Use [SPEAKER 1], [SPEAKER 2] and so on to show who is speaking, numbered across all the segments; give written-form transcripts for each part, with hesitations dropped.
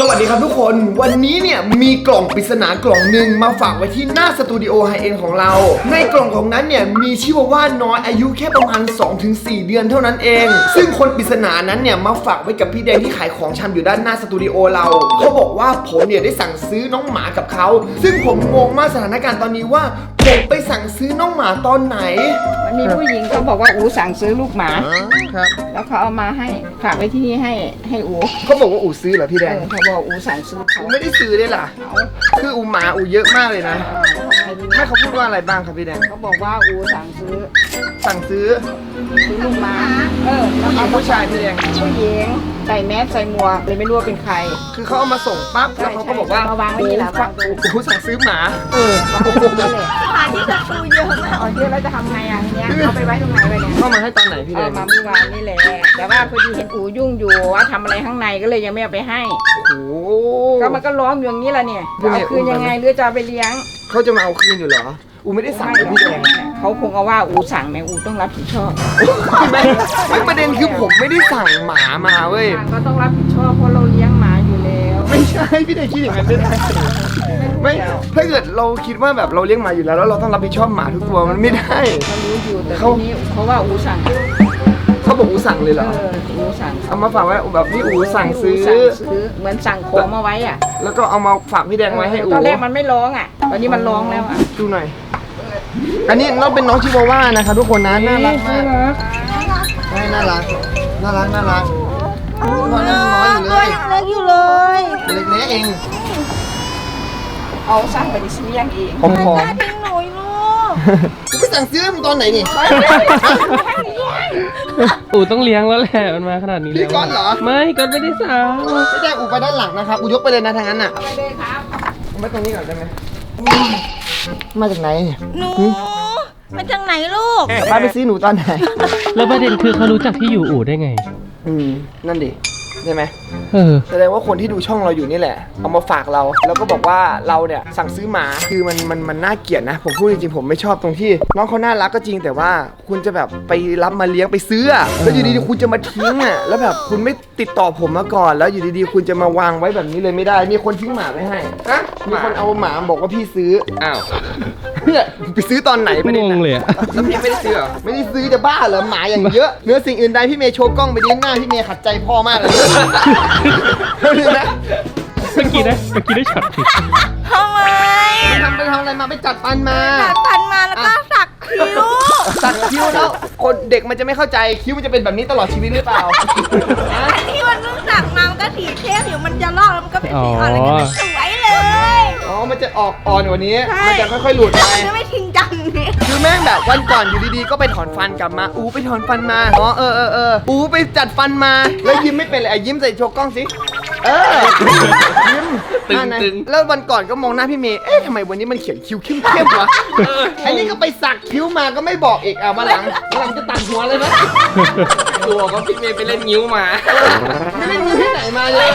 [SPEAKER 1] สวัสดีครับทุกคนวันนี้เนี่ยมีกล่องปริศนากล่องหนึ่งมาฝากไว้ที่หน้าสตูดิโอไฮเอ็นของเราในกล่องของนั้นเนี่ยมีชิวาว่าน้อยอายุแค่ประมาณ 2-4 เดือนเท่านั้นเองซึ่งคนปริศนานั้นเนี่ยมาฝากไว้กับพี่แดงที่ขายของชำอยู่ด้านหน้าสตูดิโอเราเขาบอกว่าผมเนี่ยได้สั่งซื้อน้องหมากับเขาซึ่งผมงงมากสถานการณ์ตอนนี้ว่าผมไปสั่งซื้อน้องหมาตอนไหน
[SPEAKER 2] มันมีผู้หญิงเขาบอกว่าอูสั่งซื้อลูกหมา
[SPEAKER 1] ครับ
[SPEAKER 2] แล้วเขาเอามาให้ฝากไว้ที่นี่ให้อู
[SPEAKER 1] เขาบอกว่าอูซื้อเหรอพี่แดง
[SPEAKER 2] เขาบอกอูสั่งซื้อเขา
[SPEAKER 1] ไม่ได้ซื้อได้ล่ะคืออูหมาอูเยอะมากเลยนะไม่เขาพูดว่าอะไรบ้างครับพี่แดง
[SPEAKER 2] เขาบอกว่าอูสั่งซื้อลูกหมา
[SPEAKER 1] ผู้หญิงผู้ชายพี่แดง
[SPEAKER 2] ผู้หญิงใส่แมสใส่หมวกเลยไม่รู้ว่าเป็นใคร
[SPEAKER 1] คือเขาเอามาส่งปั๊บแล้วเขาก็บอกว่าม
[SPEAKER 2] าวางไว้ที่หลัง
[SPEAKER 1] อูสั่งซื้อหมาว
[SPEAKER 2] างไว้ตรงนี้เลยหมาที่จะซื้อเยอะมากเยอะแล้วจะทำไงอ่ะเนี้ยเอาไปไว้ตรงไหนไปเนี่ย
[SPEAKER 1] เข้ามาให้ตอนไหนพี่แดง
[SPEAKER 2] มาเมื่อวานนี่แหละแต่ว่าพอดีเห็นอูยุ่งอยู่ว่าทำอะไรข้างในก็เลยยังไม่เอาไปให้ก็มันก็ร้องอยู่อย่างนี้แหละเนี่ยเอาคืนยังไงหรือจะเอาไปเลี้ยง
[SPEAKER 1] เขาจะมาเอาคืนอยู่เหรออูไม่ได้สั่งเลยพี่แดง
[SPEAKER 2] เขาคงเอาว่าอูสั่งแม่อูต้องรับผิดชอบ
[SPEAKER 1] ไม่ประเด็นคือผมไม่ได้สั่งหมามาเว้ย
[SPEAKER 2] ก็ต้องรับผิดชอบเพราะเราเลี้ยงหมาอยู่แล้ว
[SPEAKER 1] ไม่ใช่พี่แดงคิดอย่างนั้นไม่ได้ไม่ถ้าเกิดเราคิดว่าแบบเราเลี้ยงหมาอยู่แล้วเราต้องรับผิดชอบหมาทุกตัวมันไม่ได้
[SPEAKER 2] เขารู้อยู่แต่ทีนี้เขาว่าอูสั่ง
[SPEAKER 1] เขาบอกอูสั่งเลยเหรอ
[SPEAKER 2] อูสั่ง
[SPEAKER 1] เอามาฝากไว้แบบพี่อูสั่งซื้อ
[SPEAKER 2] เหมือนสั่งของมาไว้อ่ะ
[SPEAKER 1] แล้วก็เอามาฝากพี่แดงไว้ให้อู
[SPEAKER 2] ตอนแรกมันไม่ร้องอ่ะตอนนี้มันร้องแล้วอ่ะ
[SPEAKER 1] ดูหน่อยอันนี้เราเป็นน้องชิวาว่านะครับทุกคนนะน่ารักมากน่ารักพ่อยังน้อยอยู่เลยเล็กเอง
[SPEAKER 2] เอาสั่งไปดิซื้อยังเอง
[SPEAKER 1] ผมขอ
[SPEAKER 3] ทิ้งหนูลูก
[SPEAKER 1] ไปสั่งซื้อมันตอนไหนนี่
[SPEAKER 4] อู๋ต้องเลี้ยงแล้วแหละมันมาขนาดนี้แล้ว
[SPEAKER 1] พี่ก้อนเหรอ
[SPEAKER 4] ไม่ก้อนไม่ได้สั่ง
[SPEAKER 1] ไม่ได้อู๋ไปด้านหลังนะครับอู๋ยกไปเลยนะทางนั้นน่ะ
[SPEAKER 2] ไปเลยครับ
[SPEAKER 1] เอาไปตรงนี้ก่อนได้ไหมมาจากไหน
[SPEAKER 3] หนูมาจากไหนลูก
[SPEAKER 1] ป้าไปซื้อหนูตอนไหน
[SPEAKER 4] แล้วประเด็นคือเขารู้จักที่อยู่อู่ได้ไง
[SPEAKER 1] นั่นดิใช่ไหมแสดงว่าคนที่ดูช่องเราอยู่นี่แหละเอามาฝากเราแล้วก็บอกว่าเราเนี่ยสั่งซื้อหมาคือมันน่าเกลียดนะผมพูดจริงๆผมไม่ชอบตรงที่น้องเขาน่ารักก็จริงแต่ว่าคุณจะแบบไปรับมาเลี้ยงไปซื้อแล้วอยู่ดีๆคุณจะมาทิ้งแล้วแบบคุณไม่ติดต่อผมมาก่อนแล้วอยู่ดีๆคุณจะมาวางไว้แบบนี้เลยไม่ได้มีคนทิ้งหมาไว้ให้มีคนเอาหมาบอกว่าพี่ซื้อ
[SPEAKER 4] อ้าว
[SPEAKER 1] เนี่ยไปซื้อตอนไหน
[SPEAKER 4] ไม่ได้งงเลย
[SPEAKER 1] แล้วพี่ไม่ได้ซื้อเหรอไม่ได้ซื้อจะบ้าเหรอหมาอย่างเยอะเนื้อสิ่งอื่นใดพี่เมย์โชว์กล้องไปดิหน้าพี่เมย์ขัดใจพ่อมากเลยเห็นไหม
[SPEAKER 4] เมื่อกี้ได้ช็อตผิด
[SPEAKER 3] ทำไม
[SPEAKER 1] ไปทำอะไรมาไปจัดฟันมา
[SPEAKER 3] แล้วก็สักคิ้ว
[SPEAKER 1] แล้วคนเด็กมันจะไม่เข้าใจคิ้วมันจะเป็นแบบนี้ตลอดชีวิตหรือเปล่า
[SPEAKER 3] อันที่มันเพิ่งสักมามันก็สีเข้มอยู่มันจะลอกแล้วมันก็เป็นสีอ่อนแล้วก็สวยเลย
[SPEAKER 1] มันจะออกอ่อนกว่านี้มันจะค่อยๆหลุดไป
[SPEAKER 3] ไม่ทิ้งจังนี่
[SPEAKER 1] คือแม่งแบบวันก่อนอยู่ดีๆก็ไปถอนฟันกลับมาไปถอนฟันมาไปจัดฟันมาแล้วยิ้มไม่เป็นเลยยิ้มใส่โชว์กล้องสิยิ้มตึงแล้ววันก่อนก็มองหน้าพี่เมย์ทำไมวันนี้มันเขียนคิ้วเข้มๆวะอันนี้ก็ไปสักคิ้วมาก็ไม่บอกอีกมาหลังจะตัดหัวเลยไหม
[SPEAKER 4] ตัวก็พี่เมย์ไปเล่นนิ้วมา
[SPEAKER 1] ไม่เล่นนิ้วที่ไหนมาเลย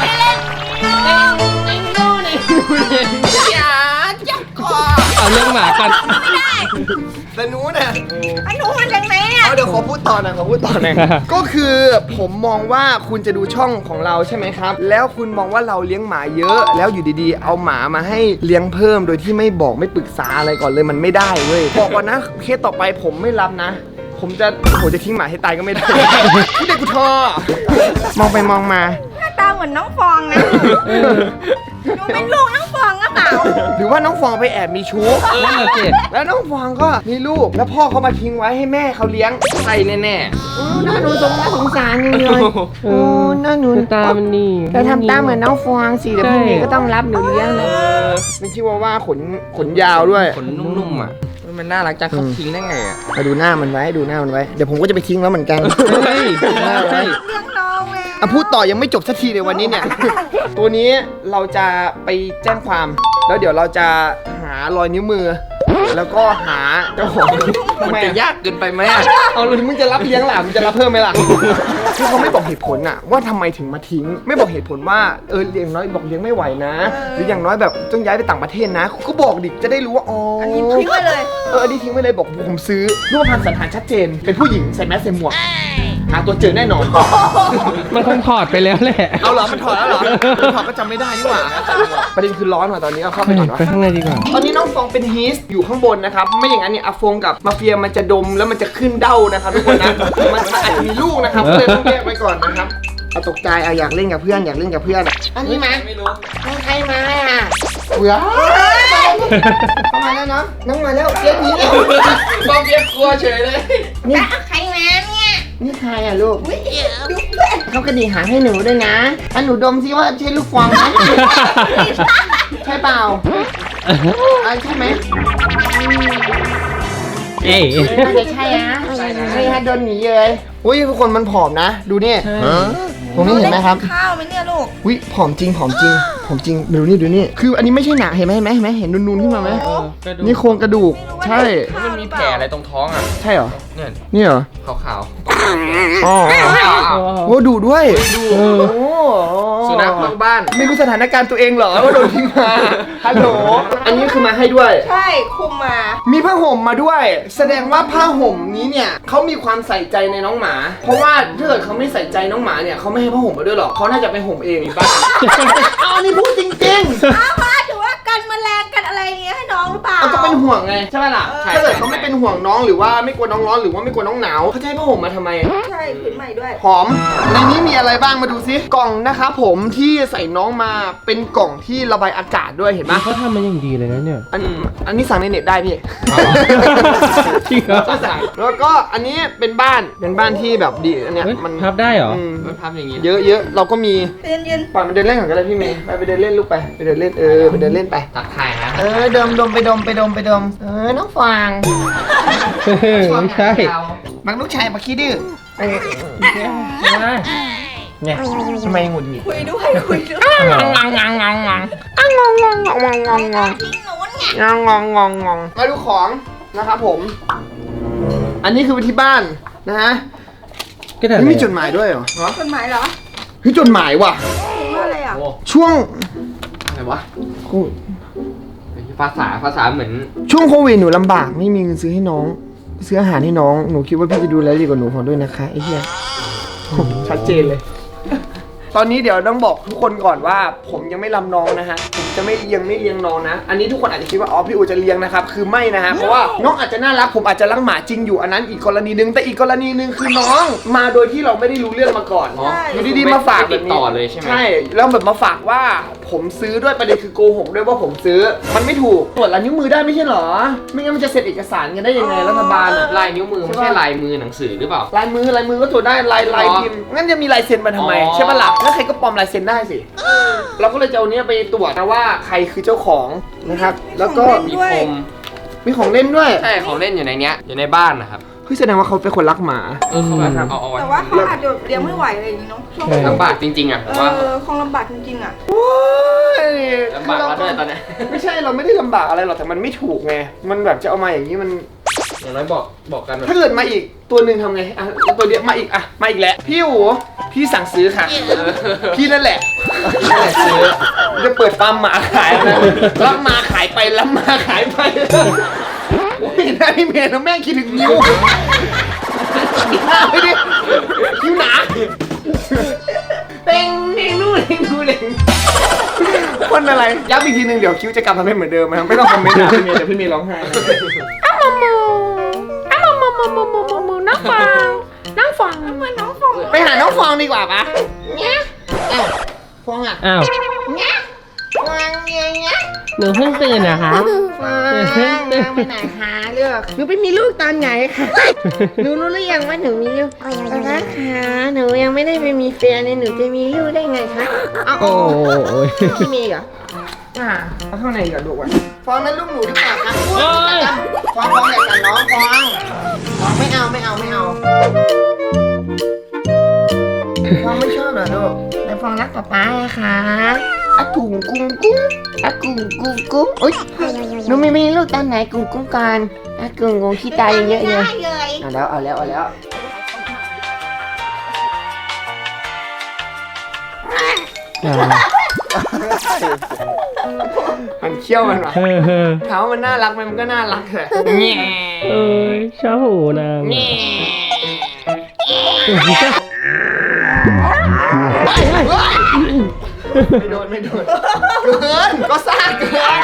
[SPEAKER 3] อย่าจับคอ
[SPEAKER 4] เอาเรื่องหมากัน
[SPEAKER 1] แต่หนูเนี่ย
[SPEAKER 3] หนูมาจากไหนเนี่ย
[SPEAKER 1] เดี๋ยวขอพูดต่อหน่อยก็คือผมมองว่าคุณจะดูช่องของเราใช่ไหมครับแล้วคุณมองว่าเราเลี้ยงหมาเยอะแล้วอยู่ดีๆเอาหมามาให้เลี้ยงเพิ่มโดยที่ไม่บอกไม่ปรึกษาอะไรก่อนเลยมันไม่ได้เว้ยบอกก่อนนะเคสต่อไปผมไม่รับนะผมจะทิ้งหมาให้ตายก็ไม่ได้พี่เด็กกูทอมองไปมองมา
[SPEAKER 3] หน้าตาเหมือนน้องฟองนะหนูเป็นลูกน้องฟองหรือเปล่า
[SPEAKER 1] หรือว่าน้องฟองไปแอบมีชู้แล้วน้องฟองก็มีลูกแล้วพ่อเขามาทิ้งไว้ให้แม่เขาเลี้ยง
[SPEAKER 4] ใช่แน่
[SPEAKER 1] ๆน่าหนูสงสารเลยน่าหนู
[SPEAKER 4] ตามันนี่
[SPEAKER 1] แต่ทำตาเหมือนน้องฟองสิเดี๋ยวพี่เมย์ก็ต้องรับหนูเลี้ยงเลยไม่คิดว่าขนยาวด้วย
[SPEAKER 4] ขนนุ่มๆมันน่ารักจังเขาทิ้งได้ไง
[SPEAKER 1] มาดูหน้ามันไว้เดี๋ยวผมก็จะไปทิ้งแล้วเหมือนกัน
[SPEAKER 3] เลี้ยงน้องเลย
[SPEAKER 1] พูดต่อยังไม่จบสักทีเลยวันนี้เนี่ยตัวนี้เราจะไปแจ้งความแล้วเดี๋ยวเราจะหารอยนิ้วมือแล้วก็หาเจ้าของ
[SPEAKER 4] มันจะยากเกินไปไหม
[SPEAKER 1] เอาเลยมึงจะรับเลี้ยงหล่ะมึงจะรับเพิ่มไหมล่ะคือเขาไม่บอกเหตุผลว่าทำไมถึงมาทิ้งไม่บอกเหตุผลว่าเลี้ยงน้อยบอกเลี้ยงไม่ไหวนะหรืออย่างน้อยแบบต้องย้ายไปต่างประเทศนะก็บอกดิจะได้รู้ว่า
[SPEAKER 3] อันนี้ทิ้งไปเลย
[SPEAKER 1] อันนี้ทิ้งไปเลยบอกผมซื้อรูปพรรณสันฐานชัดเจนเป็นผู้หญิงใส่แมสใส่หมวกหาตัวเจอแน่นอน
[SPEAKER 5] มันคงถอดไปแล้วแหละ
[SPEAKER 1] เอาเหรอมันถอดแล้วเหรอถอดก็จำไม่ได้นี่หว่าประเด็นคือร้อนว่ะตอนนี้เอาเข้าไปก่อนวะ
[SPEAKER 5] ไปข้างในดีกว่า
[SPEAKER 1] ตอนนี้น้องฟองเป็นฮีสอยู่ข้างบนนะครับไม่อย่างนั้นเนี่ยอาฟงกับมาเฟียมันจะดมแล้วมันจะขึ้นเด้านะครับทุกคนนะมันอาจจะมีลูกนะครับก็เลยต้องแยกไว้ก่อนนะครับเอาตกใจเอาอยากเล่นกับเพื่อนอยากเล่นกับเพื่อนอันนี้มา
[SPEAKER 4] ไม่รู้
[SPEAKER 1] ใครมาเบื่อเข้ามาแล้วเนาะน้องมาแล้วเจ๊หนีแล้ว
[SPEAKER 4] บอมเบียกลัวเฉยเลย
[SPEAKER 1] นี่
[SPEAKER 3] ใครมาเนี่ย
[SPEAKER 1] นี่ใครอ่ะลูก
[SPEAKER 3] ดูเพื่อน
[SPEAKER 1] เขากระดิ่งหางให้หนูด้วยนะอันหนูดมซิว่าใช่ลูกฟองไหมใช่เปล่าใช่ไหม
[SPEAKER 5] เอ้ย
[SPEAKER 1] น่าจะใช่นะใช่ฮะโดนหนีเลยอุ้ยทุกคนมันผอมนะ ดูนี่ตรงนี้เห็นไหมครับ
[SPEAKER 3] ข้าวไหมเนี่ยลูก
[SPEAKER 1] อุ้ยผอมจริงผอมจริงผอมจริงดูนี่คืออันนี้ไม่ใช่หนังเห็นไหมเห็นนูนๆขึ้นมาไหมนี่โครงกระดูกใช่
[SPEAKER 4] มันมีแผลอะไรตรงท้องอ่ะ
[SPEAKER 1] ใช่เหรอ
[SPEAKER 4] เนี่ย
[SPEAKER 1] นี่เหรอ
[SPEAKER 4] ขาว
[SPEAKER 1] อ๋อโอ้ดูด้วยโอ้
[SPEAKER 4] ๆสุนัขนอกบ้าน
[SPEAKER 1] ไม่รู้สถานการณ์ตัวเองเหรอว่าโดนทิ้งมาฮัลโหลอันนี้คือมาให้ด้วย
[SPEAKER 3] ใช่คุมมา
[SPEAKER 1] มีผ้าห่มมาด้วย แสดงว่าผ้าห่มนี้เนี่ยเขามีความใส่ใจในน้องหมา เพราะว่าถ้าเกิดเขาไม่ใส่ใจน้องหมาเนี่ยเขาไม่ให้ผ้าห่มมาด้วยหรอกเขาน่าจะไปห่มเองบ้างเอาอันนี้พูดจริงๆ
[SPEAKER 3] อ้าวมาถือว่ากันแมลงกันอะไรอย่างเงี้ยให้น้องหรือเปล่า
[SPEAKER 1] เขาก็เป็นห่วงไงใช่ไหมล่ะ
[SPEAKER 3] ใช่
[SPEAKER 1] ถ้าเกิดเขาไม่เป็นห่วงน้องหรือว่าไม่กลัวน้องร้อนหรือว่าไม่กลัวน้องหนาวเขาจะให้ผ้าห่มมาทำไม
[SPEAKER 3] ใช่ผืนใหม่ด้วย
[SPEAKER 1] หอมในนี้มีอะไรบ้างมาดูซิกล่องนะครับผมที่ใส่น้องมาเป็นกล่องที่ระบายอากาศด้วยเห็นไหม
[SPEAKER 5] เขาทำมาอย่างดีเลยนะเนี่ย
[SPEAKER 1] อันนี้สั่งในเน็ตได้พี่
[SPEAKER 5] จริงเหรอ
[SPEAKER 1] แล้วก็อันนี้เป็นบ้านที่แบบดีอันเนี้ย
[SPEAKER 5] เฮ้ย
[SPEAKER 1] มัน
[SPEAKER 5] พับได้เหรอ
[SPEAKER 4] มันทำอย่างนี้
[SPEAKER 1] เยอะเราก็มี
[SPEAKER 3] เย็น
[SPEAKER 1] ปล่อยมันเดินเล่นก่อนก็ได้พี่เมย์ไปเดินเล่นลูกไปเดินเล่นไปเดินเล่นไป
[SPEAKER 4] ตักถ่ายนะ
[SPEAKER 1] ดมไปดมน้องฟาง
[SPEAKER 5] ไม่ใช่
[SPEAKER 1] บังลูกชายมาขี้ดื้อเนี่ยทำไมหงุดหงิด
[SPEAKER 3] ๆคุยด้วยคุยด้วย
[SPEAKER 1] งองทิ้งหนูมาดูของนะครับผม อันนี้คือที่บ้านนะฮะ
[SPEAKER 5] ก็ได้
[SPEAKER 1] นี่มีจดหมายด้วยเหรอ
[SPEAKER 3] คนหมายเหรอ
[SPEAKER 1] เฮ้ยจดหมายว่ะ
[SPEAKER 3] ถึงว่าอะไรอ่ะ
[SPEAKER 4] โอ้
[SPEAKER 1] ช่วง
[SPEAKER 4] อะไรวะภาษาเหมือน
[SPEAKER 1] ช่วงโควิดหนูลำบากไม่มีเงินซื้อให้น้อง ซื้ออาหารให้น้องหนูคิดว่าพี่จะดูแลดีกว่าหนูขอด้วยนะคะไอ้เหี้ยชัดเจนเลย ตอนนี้เดี๋ยวต้องบอกทุกคนก่อนว่า ผมยังไม่ลำน้องนะฮะผมจะไม่เลี้ยงน้องนะ อันนี้ทุกคนอาจจะคิดว่าอ๋อพี่อูจะเลี้ยงนะครับคือไม่นะฮะเพราะว่าน้องอาจจะน่ารักผมอาจจะรักหมาจริงอยู่อันนั้นอีกกรณีนึงแต่อีกกรณีนึงคือน้องมาโดยที่เราไม่ได้รู้เรื่องมาก่อน
[SPEAKER 4] อ๋อ
[SPEAKER 1] อยู่ดีๆมาฝาก
[SPEAKER 4] ติดต่อเลยใช่ไหม
[SPEAKER 1] ใช่แล้วแบบมาฝากว่าผมซื้อด้วยประเด็นคือโกหกด้วยว่าผมซื้อมันไม่ถูกตรวจลายนิ้วมือได้ไม่ใช่เหรอไม่งั้นมันจะเซ็นเอกสารกันได้ยังไงรัฐบาลอะ
[SPEAKER 4] ลายนิ้วมือไม่ใช่ลายมือหนังสือหรือเปล่า
[SPEAKER 1] ลายมือก็ตรวจได้ลายพิมพ์งั้นจะมีลายเซ็นมาทำไม
[SPEAKER 4] อ๋อ
[SPEAKER 1] ใช่ปะล่ะแล้วใครก็ปลอมลายเซ็นได้สิเราก็เลยจะเอาเนี้ยไปตรวจนะว่าใครคือเจ้าของนะครับ แล้วก็
[SPEAKER 4] มีพรม
[SPEAKER 1] มีของเล่นด้วย
[SPEAKER 4] ใช่ของเล่นอยู่ในเนี้ยอยู่ในบ้านนะครับ
[SPEAKER 1] เฮ้ยแสดงว่าเขาเป็นคนรักหมา
[SPEAKER 4] เขาแบบเอาไว้
[SPEAKER 3] แต่ว่าเขาอาจจะเลี้ยงไม่ไหวอะไรอย่างงี้เนาะช่วง
[SPEAKER 5] ใช่
[SPEAKER 4] ลำบากจริงๆอ่ะผมว่า
[SPEAKER 3] คงลำบากจริงๆอ่ะ
[SPEAKER 1] โอ้ย
[SPEAKER 4] ลำบากแล้วด้วยตอนเนี้ย
[SPEAKER 1] ไม่ใช่เราไม่ได้ลำบากอะไรหรอกแต่มันไม่ถูกไงมันแบบจะเอามาอย่างนี้มัน
[SPEAKER 4] อย่างน้อยบอกกันแบบ
[SPEAKER 1] ถ้าเกิดมาอีกตัวหนึ่งทำไงอ่ะตัวเดียวมาอีกอ่ะมาอีกแล้วพี่หูพี่สั่งซื้อค่ะ พี่นั่นแหละซื้อจะเปิดฟาร์มหมาขายนะรับมาขายไปรับมาขายไปโอ้ยได้พี่เมย์นะแม่งคิดถึงนิ้วหน้าไปดิคิ้วหนาเต็งนู่นคนอะไรย้ำอีกทีนึงเดี๋ยวคิ้วจะกลับมาเป็นเหมือนเดิมนะครับไม่ต้องคอมเมนต์นะพี่เมย์เดี๋ยวพี่เมย์ร้องไห้น้องฟองไปหาน้องฟองดีกว่าปะเนี่ยอ้าวฟองอ่ะ
[SPEAKER 5] อ้าว
[SPEAKER 1] เนี่ยฟองเนี่ย
[SPEAKER 5] หนูเพิ่งตื่นนะคะ
[SPEAKER 1] ฟองไปไหนคะเลือกหนูไปมีลูกตอนไหนคะหนูรู้หรือยังว่าหนูมีลูกนะคะหนูยังไม่ได้ไปมีแฟนเลยหนูจะมีลูกได้ไงคะเอา
[SPEAKER 5] โอ้ย
[SPEAKER 1] พี่มีเหรอเอาข้างในก่อนดูก่อนฟองนั้นลูกหนูดีกว่าครับฟองอย่ากันน้องฟองไม่เอาฟองไม่ชอบเหรอลูกแต่ฟองรักป๊าป๊าอะค่ะอะกุ้งกุ้งกุ้งอะกุ้งกุ้งกุ้งอุ๊ยหนูไม่มีลูกตอนไหนกุ้งกุ้งกันอะกุ้งกุ้งขี้ตายเยอะเลย
[SPEAKER 3] ได้เลย
[SPEAKER 1] เอาแล้วมันเคี้ยวมันวะถามว่ามันน่ารักไหมมันก็น่ารักแหละแง่
[SPEAKER 5] เอ้ยชอบหูนาง
[SPEAKER 1] แง่ไม่โดนเกินก็ซ่าเกิน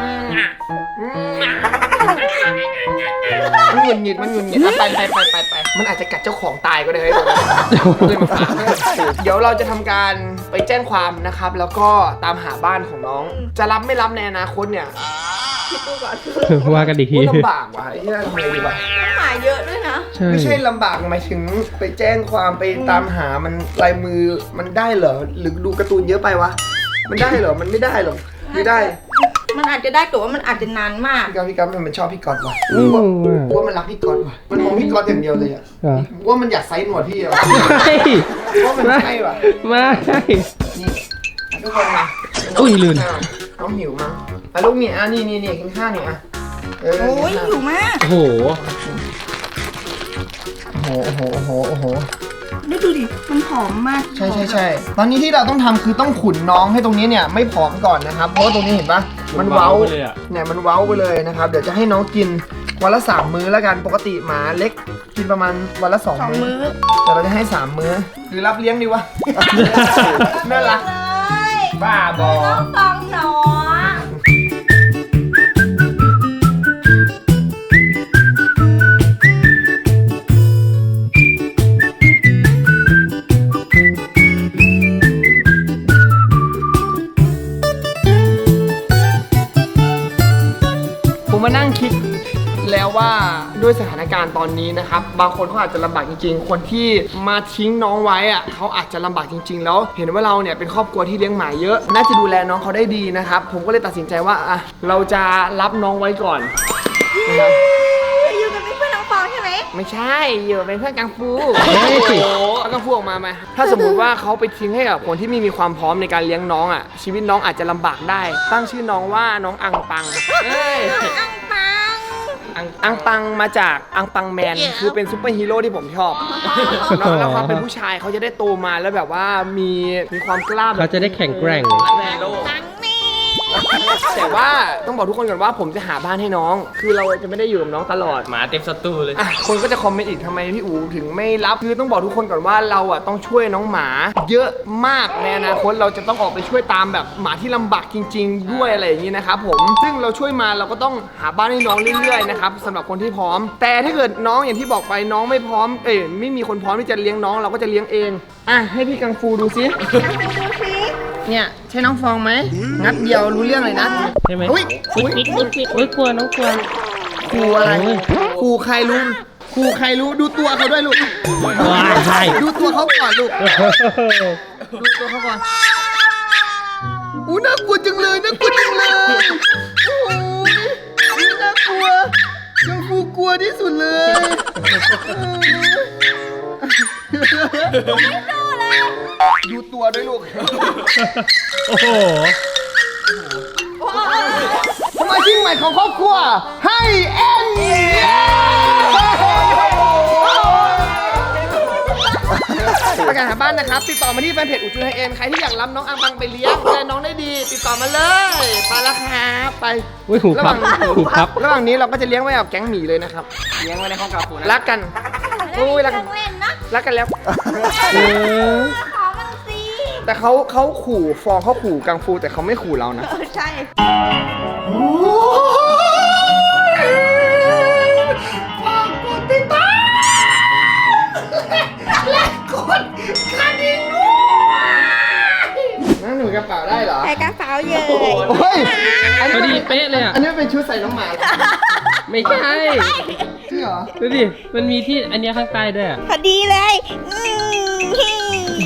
[SPEAKER 1] มันหงุดหงิดไปมันอาจจะกัดเจ้าของตายก็ได้เลยมาฝากเดี๋ยวเราจะทำการไปแจ้งความนะครับแล้วก็ตามหาบ้านของน้องจะรับไม่รับในอนาคตเนี่ย
[SPEAKER 3] คิดดูก่อน
[SPEAKER 5] ว่ากันอีกที
[SPEAKER 1] ลำบากว่ะไอ้เหี้ยทำไงดีวะ
[SPEAKER 3] หมาเยอะด้วยนะ
[SPEAKER 5] ใช่
[SPEAKER 1] ไม่ใช่ลำบากหมายถึงไปแจ้งความไปตามหามันลายมือมันได้เหรอหรือดูการ์ตูนเยอะไปวะมันได้เหรอมันไม่ได้หรอกไม่ได้
[SPEAKER 3] มันอาจจะได้แต่ว่ามันอาจจะนานมาก
[SPEAKER 1] พี่กั๊บมันชอบพี่ก๊อตว่ะว่ามันรักพี่ก๊อตว่ะมันมองพี่ก๊อตอย่างเดียวเลยอ่ะ
[SPEAKER 5] เหรอ
[SPEAKER 1] ว่ามันอยากไซส์หนวดพี่อ่ะ
[SPEAKER 5] ไม่
[SPEAKER 1] ว่ามันใช่ว่ะ
[SPEAKER 5] ไม่
[SPEAKER 1] นี่ทุกคนมา
[SPEAKER 5] อุ้ยลืม
[SPEAKER 1] น้องหิวมั้งอ่ะลูกเนี่ยนี่กินข้าวเนี่ยอ่ะ
[SPEAKER 3] โอ้ยอยู่มาก
[SPEAKER 5] โอ้โห
[SPEAKER 1] โอ้โห
[SPEAKER 3] ดูดิ มันผอมมาก
[SPEAKER 1] ใช่ตอนนี้ที่เราต้องทำคือต้องขุนน้องให้ตรงนี้เนี่ยไม่ผอมก่อนนะครับเพราะว่าตรงนี้เห็นปะมันเว้าเนี่ยมันเว้าไปเลยนะครับเดี๋ยวจะให้น้องกินวันละ3 มื้อแล้วกันปกติหมาเล็กกินประมาณวันละ2 มื้อแต่เราจะให้3 มื้อหรือรับเลี้ยงดีวะ น่ารัก
[SPEAKER 3] เลย
[SPEAKER 1] บ้าบอ
[SPEAKER 3] ต้องฟังหนอ
[SPEAKER 1] ผมมานั่งคิดแล้วว่าด้วยสถานการณ์ตอนนี้นะครับบางคนเขาอาจจะลำบากจริงๆคนที่มาทิ้งน้องไว้อะเขาอาจจะลำบากจริง ๆ แล้วเห็นว่าเราเนี่ยเป็นครอบครัวที่เลี้ยงหมาเยอะน่าจะดูแลน้องเขาได้ดีนะครับผมก็เลยตัดสินใจว่าอ่ะเราจะรับน้องไว้ก่อนนะครับ
[SPEAKER 3] อยู่กันเป็นเพื่อนน้องฟองใช่ไหม
[SPEAKER 1] ไม่ใช่อยู่เป็นเพื่อนกังฟู
[SPEAKER 5] เฮ้ย
[SPEAKER 1] เอากังฟูออกมาไหมถ้าสมมุติว่าเขาไปทิ้งให้กับคนที่ไม่มีความพร้อมในการเลี้ยงน้องอ่ะชีวิตน้องอาจจะลำบากได้ ตั้งชื่อน้องว่าน้องอังปังเอ้ย
[SPEAKER 3] อังปัง
[SPEAKER 1] อังปังมาจากอังปังแมนคือเป็นซูเปอร์ฮีโร่ที่ผมชอบแล้วความเป็นผู้ชายเขาจะได้โตมาแล้วแบบว่ามีความกล้าแบบ
[SPEAKER 5] เขาจะได้แข็งแกร่ง
[SPEAKER 3] ตังนี่
[SPEAKER 1] แต่ว่าต้องบอกทุกคนก่อนว่าผมจะหาบ้านให้น้อง คือเราจะไม่ได้อยู่กับน้องตลอด
[SPEAKER 4] หมาเต็มสตูเลย
[SPEAKER 1] อ่ะคนก็จะคอมเมนต์อีกทำไมพี่อูถึงไม่รับคือต้องบอกทุกคนก่อนว่าเราอ่ะต้องช่วยน้องหมา เยอะมากในอนาคตเราจะต้องออกไปช่วยตามแบบหมาที่ลำบากจริง ๆ ด้วยอะไรอย่างนี้นะครับผมซึ่งเราช่วยมาเราก็ต้องหาบ้านให้น้องเรื่อยๆนะครับสำหรับคนที่พร้อม แต่ถ้าเกิดน้องอย่างที่บอกไปน้องไม่พร้อมไม่มีคนพร้อมที่จะเลี้ยงน้องเราก็จะเลี้ยงเองอ่ะให้พี่กังฟูดูซิเนี่ยใช่น้องฟองไหมงัดเดียวรู้เรื่องเลยนะ
[SPEAKER 5] ใช่ไหม
[SPEAKER 1] อุ้ย
[SPEAKER 5] อุ๊ยกลัวน้องกลัว
[SPEAKER 1] ครูอะไร
[SPEAKER 5] โอ้ย
[SPEAKER 1] ครูใครรู้ดูตัวเขาด้วยลูก
[SPEAKER 5] ว้ายใช่
[SPEAKER 1] ดูตัวเขาก่อนลูกดูตัวเขาก่อนอู้น่ากลัวจังเลยโอ้ยน่ากลัวยังฟูกลัวที่สุดเลยดูตัวด้วยลูก
[SPEAKER 5] โอ้โห
[SPEAKER 1] สมาชิกใหม่ของครอบครัวให้เอ็นประกาศหาบ้านนะครับติดต่อมาที่แฟนเพจอุจุไฮเอ็นใครที่อยากรับน้องอังปังไปเลี้ยงดูแลน้องได้ดี ติดต่อมาเลยไปแล้วครับไป
[SPEAKER 5] อุ้ยหู
[SPEAKER 1] ระห
[SPEAKER 5] พั
[SPEAKER 1] ว่า
[SPEAKER 5] บ
[SPEAKER 1] ง
[SPEAKER 5] หูพับ
[SPEAKER 1] ระหว่างนี้เราก็จะเลี้ยงไว้กับแก๊งหมีเลยนะครับ
[SPEAKER 4] เลี้ยงไว้ในห้องกาฟูนะ
[SPEAKER 1] รักกันโอ้ยรัก
[SPEAKER 3] เค
[SPEAKER 1] กั
[SPEAKER 3] รื่อน งเล่นนะ
[SPEAKER 1] รักกันแล้ว
[SPEAKER 5] เออ
[SPEAKER 3] ขอมันสิ
[SPEAKER 1] แต่เขาขู่ฟองเขาขู่กังฟูแต่เขาไม่ขู่เรานะ
[SPEAKER 3] ใช่
[SPEAKER 1] ฝากกดติดตามและกดกระดิ่งด้วยนั่นหนูกระเป๋าได้เหรอ
[SPEAKER 3] ใส่กระเป๋าเยอะ
[SPEAKER 1] โอ้ยอัน
[SPEAKER 5] พอ
[SPEAKER 1] นี้
[SPEAKER 5] ดีเป๊ะเลยอ่ะ
[SPEAKER 1] อันนี้เป็นชุดใส่น้องหมาเหรอ
[SPEAKER 5] ไม่ใช่
[SPEAKER 1] จริงเหรอ
[SPEAKER 5] ดูดิ มันมีที่อันเนี้ยข้างใต้ด้วยอะ
[SPEAKER 3] พอดีเลย